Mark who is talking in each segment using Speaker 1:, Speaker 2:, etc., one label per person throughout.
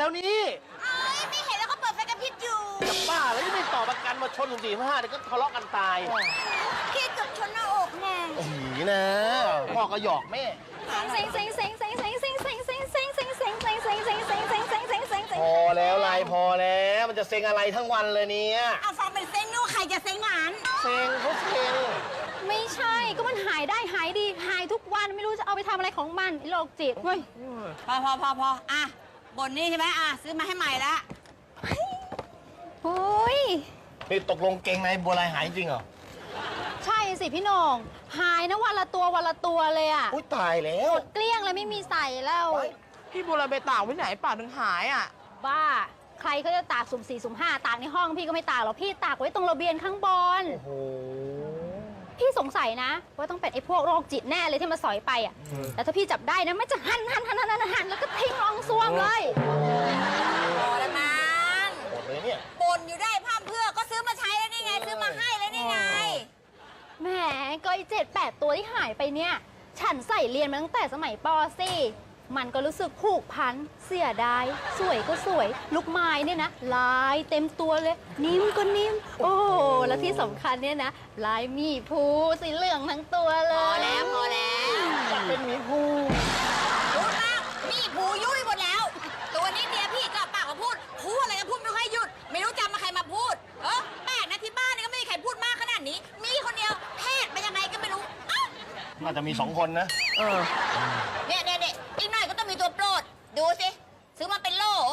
Speaker 1: แล้วนี่
Speaker 2: ไม่เห็นแล้วก็เปิดไฟกระพริบอยู่
Speaker 1: จะบ้าแล้วไม่ต่อประกันมาชน4-5เดี๋ยวก็ทะเลาะกันตาย
Speaker 2: พี่เกือบชนหน้าอกแน่
Speaker 1: นี่นะพ่อก็หยอกแม่พอแล้วไลพอแล้วมันจะเซ็งอะไรทั้งวันเลยเนี่ย
Speaker 2: เอาฟังเป็นเซ็งนู่ใครจะเซ็งงาน
Speaker 1: เซ็งเขาเซ็ง
Speaker 3: ไม่ใช่ก็มันหายได้หายดีหายทุกวันไม่รู้จะเอาไปทำอะไรของมันโรคจิตเว้ย
Speaker 2: พออ่ะบนนี่ใช่ไหมอ่ะซื้อมาให้ใหม่ละ
Speaker 3: โอ้ย
Speaker 1: นี่ตกลงเก่งในบัวลายหายจริงเหรอ
Speaker 3: ใช่สิพี่โหน่งหายนะวันละตัวเลยอ่ะ
Speaker 1: อุ้ยตายแล้ว
Speaker 3: เกลี้ยงเลยไม่มีใส่แล้ว
Speaker 4: พี่บัวลอยไปตากไว้ไหนป่าถึงหายอ่ะ
Speaker 3: บ้าใครเขาจะตากสุ่ม4สุ่ม5ตากในห้องพี่ก็ไม่ตากหรอกพี่ตากไว้ตรงระเบียงข้างบน
Speaker 1: โอ้โห
Speaker 3: พี่สงสัยนะว่าต้องเป็นไอ้พวกโรคจิตแน่เลยที่มาสอยไปอ่ะแต่ถ้าพี่จับได้นะไม่จะหั่นแล้วก็ทิ้งรองซวมเลย
Speaker 2: พอแล้วมั้ง
Speaker 1: หมดเลยเนี่ย
Speaker 2: บ่นอยู่ได้พร่ำเพื่อก็ซื้อมาใช้แล้วนี่ไงซื้อมาให้แล้วนี่ไง
Speaker 3: แหมก็ไอ้7-8 ตัวที่หายไปเนี่ยฉันใส่เรียนมาตั้งแต่สมัยป .4 มันก็รู้สึกผูกพันเสียดายสวยก็สวยลูกไม้เนี่ยนะลายเต็มตัวเลยนิ่มก็นิ่มโอ้แล้วที่สำคัญเนี่ยนะลายมีภูสีเหลืองทั้งตัวเลย
Speaker 2: พอแล้ว
Speaker 1: เป็นหมีภู
Speaker 2: พูดมากมีภูยุ่ยหมดแล้วตัวนี้เมียพี่ก็ปากมาพูดอะไรก็พูดไม่ค่อยหยุดไม่รู้จำมาใครมาพูดแปลกนะที่บ้านนี่ก็ไม่มีใครพูดมากขนาดนี้มีคนเดียวแพทย์เป็นยังไงก็ไม่รู้
Speaker 1: น่าจะมี2 คนนะ
Speaker 2: เนี่ยอีกหน่อยก็ต้องมีตัวโปรดดูสิซื้อมาเป็นโล่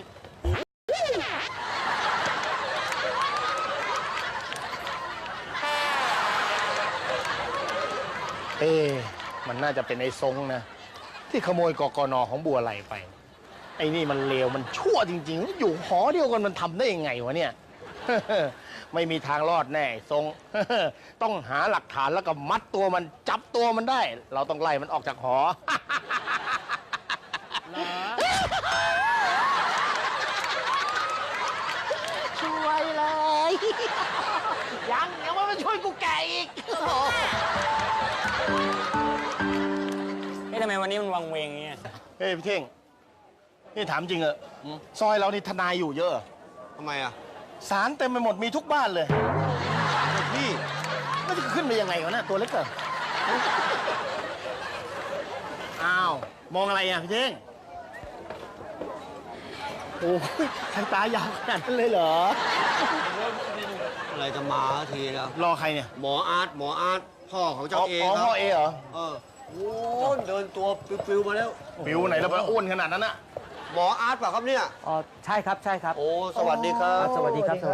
Speaker 1: มันน่าจะเป็นไอ้ทรงนะที่ขโมยกกน.ของบัวไหลไปไอ้นี่มันเลวมันชั่วจริงๆอยู่หอเดียวกันมันทำได้ยังไงวะเนี่ยไม่มีทางรอดแน่ทรงต้องหาหลักฐานแล้วก็มัดตัวมันจับตัวมันได้เราต้องไล่มันออกจากหอช่วยเลยยังว่ามันช่วยกูแก่อีก
Speaker 4: ทำไมวันนี้มันวังเวงเงี้ย
Speaker 1: เฮ้ยพี่เท่งนี่ถามจริงเหรอซอยเรานี่ทนายอยู่เยอะ
Speaker 5: ทำไมอ่ะ
Speaker 1: ศาลเต็มไปหมดมีทุกบ้านเลยพี่มันจะขึ้นไปยังไงวะเนี่ยตัวเล็กเกินอ้าวมองอะไรอ่ะพี่เท่งโอ้ยทางตายาวขนาดนั้นเลยเหรอ
Speaker 5: อะไรจะมาทีแล้ว
Speaker 1: รอใครเนี่ย
Speaker 5: หมออาร์ตพ่อของเจ้าเอครับ
Speaker 1: พ่อเอเหรอ
Speaker 5: โอ้เดินตัวฟิวมาแล้ว
Speaker 1: ฟิวไหนแล้วมันอ้วนขนาดนั้นอะ
Speaker 5: หมออาร์ตป่ะครับเนี่ย
Speaker 4: ใช่ครับ
Speaker 5: โอ้สวัสดีครับ
Speaker 4: สวัสดีครับ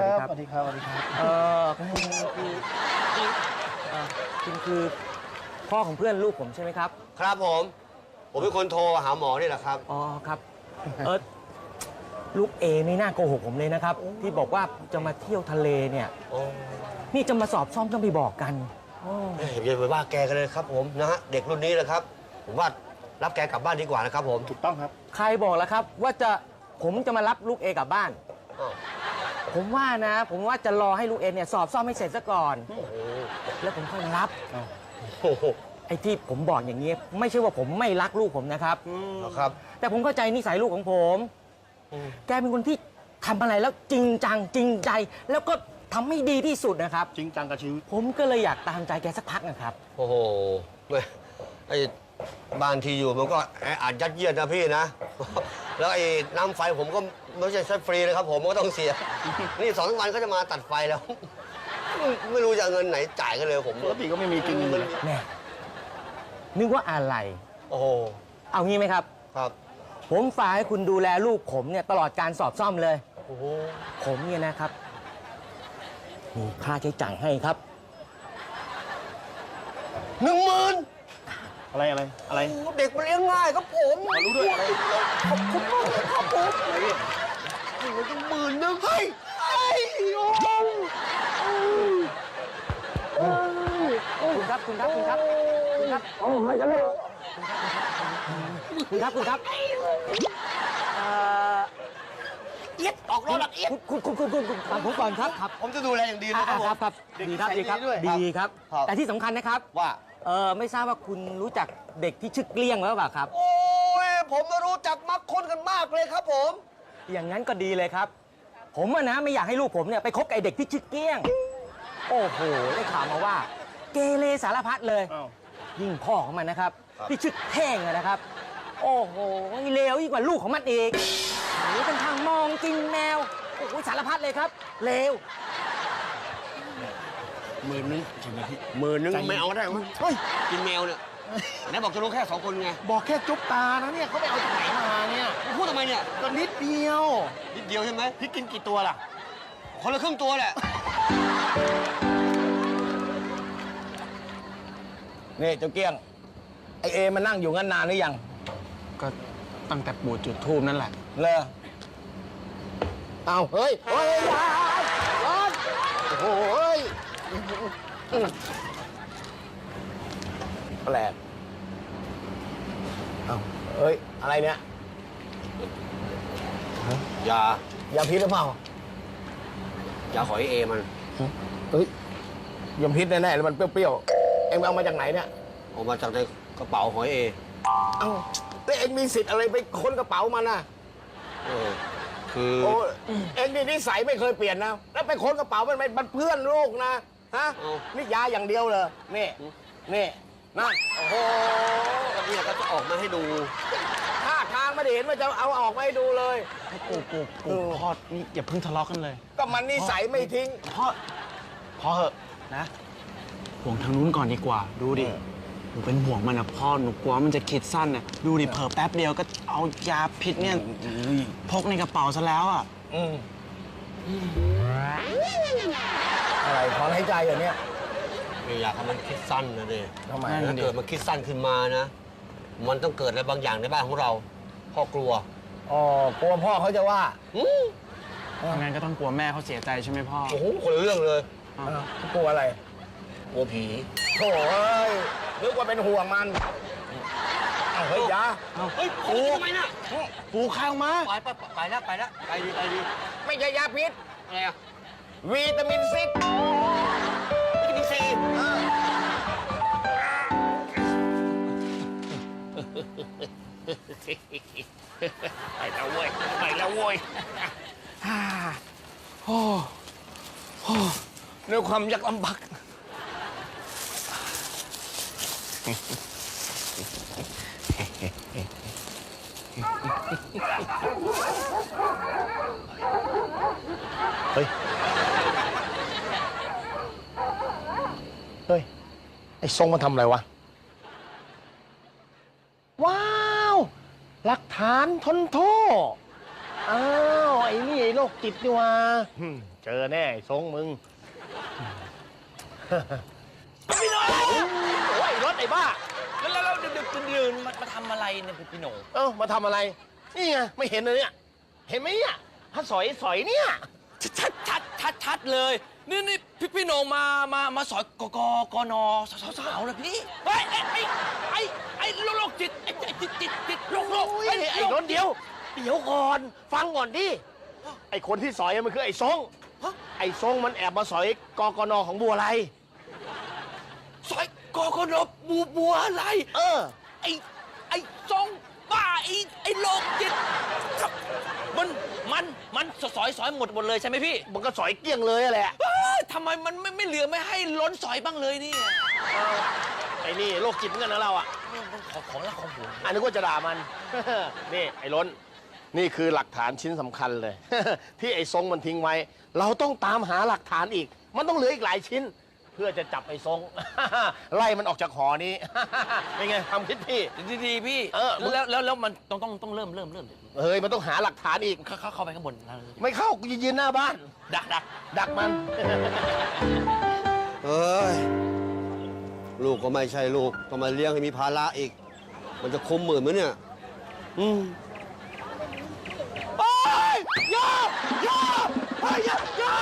Speaker 4: คุณคือพ่อของเพื่อนลูกผมใช่ไหมครับ
Speaker 5: ครับผมเป็นคนโทรหาหมอนี่แหละครับ
Speaker 4: อ๋อครับลูกเอนี่น่าโกหกผมเลยนะครับที่บอกว่าจะมาเที่ยวทะเลเนี่ยนี่จะมาสอบซ่อมต้องไปบอกกัน
Speaker 5: อย่าไปว่าแกกันเลยครับผมนะฮะเด็กรุ่นนี้เลยครับผมว่ารับแกกลับบ้านดีกว่านะครับผม
Speaker 1: ถูกต้องครับ
Speaker 4: ใครบอกแล้วครับว่าผมจะมารับลูกเอกลับบ้านผมว่าจะรอให้ลูกเอเนี่ยสอบซ่อมให้เสร็จซะก่อนแล้วผมค่อยมารับไอ้ที่ผมบอกอย่างนี้ไม่ใช่ว่าผมไม่รักลูกผมนะครับแต่ผมเข้าใจนิสัยลูกของผมแกเป็นคนที่ทำอะไรแล้วจริงจังจริงใจแล้วก็ทำให้ดีที่สุดนะครับ
Speaker 1: จริงจังกับชีวิต
Speaker 4: ผมก็เลยอยากตามใจแกสักพักนะครับ
Speaker 5: โอ้โหไอ้บ้านที่อยู่มันก็อาจยัดเยียดนะพี่นะแล้วไอ้น้ำไฟผมก็ไม่ใช่ใช้ฟรีเลยครับผมก็ต้องเสียนี่2 วันก็จะมาตัดไฟแล้วไม่รู้จะเงินไหนจ่ายกันเลยผม
Speaker 1: ปกติก็ไม่มีกินเลย
Speaker 4: แน่นึกว่าอะไร
Speaker 5: โอ้โห
Speaker 4: เอางี้ไหมครับ
Speaker 5: ครับ
Speaker 4: ผมฝากให้คุณดูแลลูกผมเนี่ยตลอดการสอบซ่อมเลยโอ้โหผมเนี่ยนะครับมีค่าใช้จ่ายให้ครับ
Speaker 5: 10,000
Speaker 1: อะไร
Speaker 5: เด็กมันเลี้ยงง่ายครับผม
Speaker 1: รู้ด้วยอะไร
Speaker 5: ขอบคุณมากครับผมมันต้อง10,000เฮ้ย
Speaker 4: คุณครับโอ้ยกันเลยคุณครับ
Speaker 5: เอี๊ยดออกรถแบบเอี๊ยด
Speaker 4: คุณฟังผมก่อนครับ
Speaker 5: ผมจะดูแลอย่างดีนะครับ
Speaker 4: ดีครับแต่ที่สำคัญนะครับ
Speaker 5: ว่า
Speaker 4: ไม่ทราบว่าคุณรู้จักเด็กที่ชื่อเกลี้ยงหรือเปล่าครับ
Speaker 5: โอ้ยผมรู้จักมักคนกันมากเลยครับผม
Speaker 4: อย่างนั้นก็ดีเลยครับ ผมอะนะไม่อยากให้ลูกผมเนี่ยไปคบกับไอ้เด็กที่ชื่อเกี้ยง โอ้โหได้ข่าวมาว่า เกเรสารพัดเลย
Speaker 1: อ้าว
Speaker 4: ยิ่งพ่อของมันนะครับ ที่ชื่อแท่งอะนะครับ โอ้โหเลวยิ่งกว่าลูกของมันอีกหรือเป็นทางมองกินแมวโอ้โหสารพัดเลยครับเลว
Speaker 5: 10,000ใช่ไหมพี่10,000ไม่เอาได้ไหม
Speaker 1: เฮ้ย
Speaker 5: กินแมวเนี่ยไหนบอกจะรู้แค่2 คนไง
Speaker 1: บอกแค่จุ๊บตานะเนี่ยเขาไปเอาจากไหนมาเนี่ย
Speaker 5: พูดทำไมเนี่ย
Speaker 1: ก็นิดเดียว
Speaker 5: นิดเดียวใช่ไหม
Speaker 1: พี่กินกี่ตัวล่ะ
Speaker 5: คนละครึ่งตัวแหละ
Speaker 1: นี่เจ้าเกี้ยง ไอเอมานั่งอยู่งั้นนานหรือยัง
Speaker 6: ก็ตั้งแต่ปู่จุดทูบนั่นแหละ
Speaker 1: เลยเอาเฮ้ยเฮ้ยอย่าร้อนโอ้โหเฮ้ยแปลกเอาเฮ้ย อะไรเนี่ย
Speaker 5: ยาย
Speaker 1: าพิษหรือเปล่า
Speaker 5: ยาหอยเอมัน
Speaker 1: เฮ้ยยาพิษแน่ๆแล้วมันเปรี้ยวๆ เอ็งเอามาจากไหนเนี่ย
Speaker 5: ออกมาจากในกระเป๋าหอยเอ
Speaker 1: เอ้าแต่เอ็งมีสิทธิ์อะไรไปค้นกระเป๋ามันน่ะ
Speaker 5: เออคือ
Speaker 1: โอ้เอ็งนี่นิสัยไม่เคยเปลี่ยนนะ แล้วไปค้นกระเป๋ามันเพื่อนลูกนะ ฮะ นี่ยาอย่างเดียวเลย นี่ นี่นั่นโอ้โห
Speaker 5: ก็เนี่ยก็จะออกมาให้ดู
Speaker 1: ท่าทางไม่ได้เห็นว่าจะเอาออกมาให้ดูเลย
Speaker 6: ปู่พ่อนี่อย่าเพิ่งทะเลาะกันเลย
Speaker 1: ก็มันนิสัยไม่ทิ้ง
Speaker 6: พ่อเหอะนะห่วงทางนู้นก่อนดีกว่า ดูดิหนูเป็นห่วงมันนะพ่อหนูกลัวมันจะคิดสั้นน่ะดูดิเผลอแป๊บเดียวก็เอายาพิษเนี่ยพกในกระเป๋าซะแล้วอ่ะ
Speaker 1: อืมอะไรถอนหายใจอย่างเนี้ย
Speaker 5: ไม่อยากให้มันคิดสั้นนะดิ
Speaker 1: ทำไม
Speaker 6: นั่น
Speaker 5: ถ้า
Speaker 6: ดิ
Speaker 5: เกิดมันคิดสั้นขึ้นมานะ มันต้องเกิดอะไรบางอย่างในบ้านของเรา พ่อกลัว
Speaker 1: อ๋อกลัวพ่อเขาจะว่า
Speaker 6: งั้นก็ต้องกลัวแม่เขาเสียใจใช่ไหมพ่อ
Speaker 5: โอ้โหคนละเรื่องเลย
Speaker 1: กลัวอะไร
Speaker 5: กลัวผี
Speaker 1: โถ่เอ้ยนึกว่าเป็นห่วงมันเอาเฮ้ยอยา
Speaker 5: เฮ้ยปูทำไมน่ะ
Speaker 6: ปู่ข้างมา
Speaker 5: ไปแล้วไปดี
Speaker 1: ไม่ใช่ยาพิษ
Speaker 5: อะไรอ่ะ
Speaker 1: วิตามินซี
Speaker 5: วิตามินซี
Speaker 1: ไปแล้วเว้ยไปแล้วเว้ยโอ้โหด้วยความยากลำบากเฮ้ย เฮ้ย ไอ้ทรงมันทำอะไรวะ ว้าว หลักฐานทนโทษ อ้าว ไอ้นี่ไอ้โรคจิตนี่วะเจอแน่ไอ้ทรงมึง พี่โหน่โอ้ยรถไอ้บ้า
Speaker 4: แล้วดืนมาทำอะไรเนี่ยพี่โหน
Speaker 1: เอ้ามาทำอะไร นี่ไง ไม่เห็นเลยเนี่ย เห็นไหมเนี่ยถ้าสอยเนี่ย
Speaker 4: ชัดเลย นี่พี่โหนมาสอยกนสาวๆเลยพี่เฮ้ยไอ้โรคจิตจิตโรค
Speaker 1: โอ้ยไอ้รถเดียวก่อน ฟังก่อนดิ ไอ้คนที่สอยมันคือไอ้ทรง ไอ้ทรงมันแอบมาสอยกกนของบัวไร
Speaker 4: สอยกนบัวอะไร
Speaker 1: เออ
Speaker 4: ไอ้ซองบ้าไอ้โรคจิตครับมันสอยหมดเลยใช่ไหมพี่
Speaker 1: มันก็สอยเกลี้ยงเลยอะแหละ
Speaker 4: ทำไมมันไม่เหลือไม่ให้ล้นสอยบ้างเลยเนี่ย
Speaker 1: ไอ้นี่โรคจิตเหมือนกันนะเราอ่ะ
Speaker 4: ของละของหัว
Speaker 1: อันนี้ก็จะด่ามัน นี่ไอ้ล้น นี่คือหลักฐานชิ้นสำคัญเลย ที่ไอ้ทรงมันทิ้งไว้ เราต้องตามหาหลักฐานอีก มันต้องเหลืออีกหลายชิ้น เพื่อจะจับไอ้ทรง ไล่มันออกจากหอนี้ เป็นไงความคิดพี่
Speaker 4: ดีพี่ แล้วมันต้องเริ่ม
Speaker 1: เฮ้ยมันต้องหาหลักฐานอีก
Speaker 4: เข้าไปข้างบน
Speaker 1: ไม่เข้ากูยืนหน้าบ้าน ดักมัน
Speaker 5: เอ้ย ลูกก็ไม่ใช่ลูกต้องมาเลี้ยงให้มีภาระอีก มันจะคุ้ม10,000ไหมเนี่ย
Speaker 1: โอ้ยอย่าเฮ้ยอย่า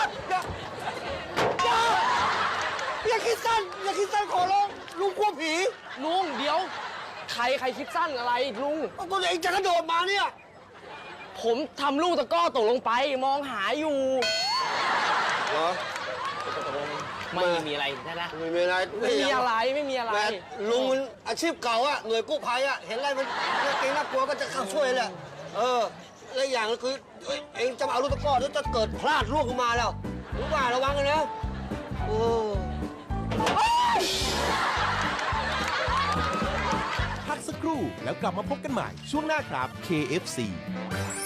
Speaker 1: คิดสั้นขอร้องลุงกลัวผี
Speaker 4: ลุงเดี๋ยวใครคิดสั้นอะไรลุง
Speaker 1: ตัวเองจะกระโดดมาเนี่ย
Speaker 4: ผมทำลูกตะก้อตกลงไปมองหาอยู่
Speaker 5: เหรอ
Speaker 4: ไม่มีอะไรนะ
Speaker 5: ไม่มีอะไร
Speaker 4: ไม่มีอะไร
Speaker 5: แต่ลุงมันอาชีพเก่าอะหน่วยกู้ภัยอะเห็นอะไรมันน่าเกรงน่ากลัวก็จะเข้าช่วยแหละ เออและอย่างก็คือเองจะมาเอาลูกตะกร้อแล้วจะเกิดพลาดล่วงลงมาแล้วรู้ป่ะระวังกันนะโอ้
Speaker 7: พักสักครู่แล้วกลับมาพบกันใหม่ช่วงหน้าครับ KFC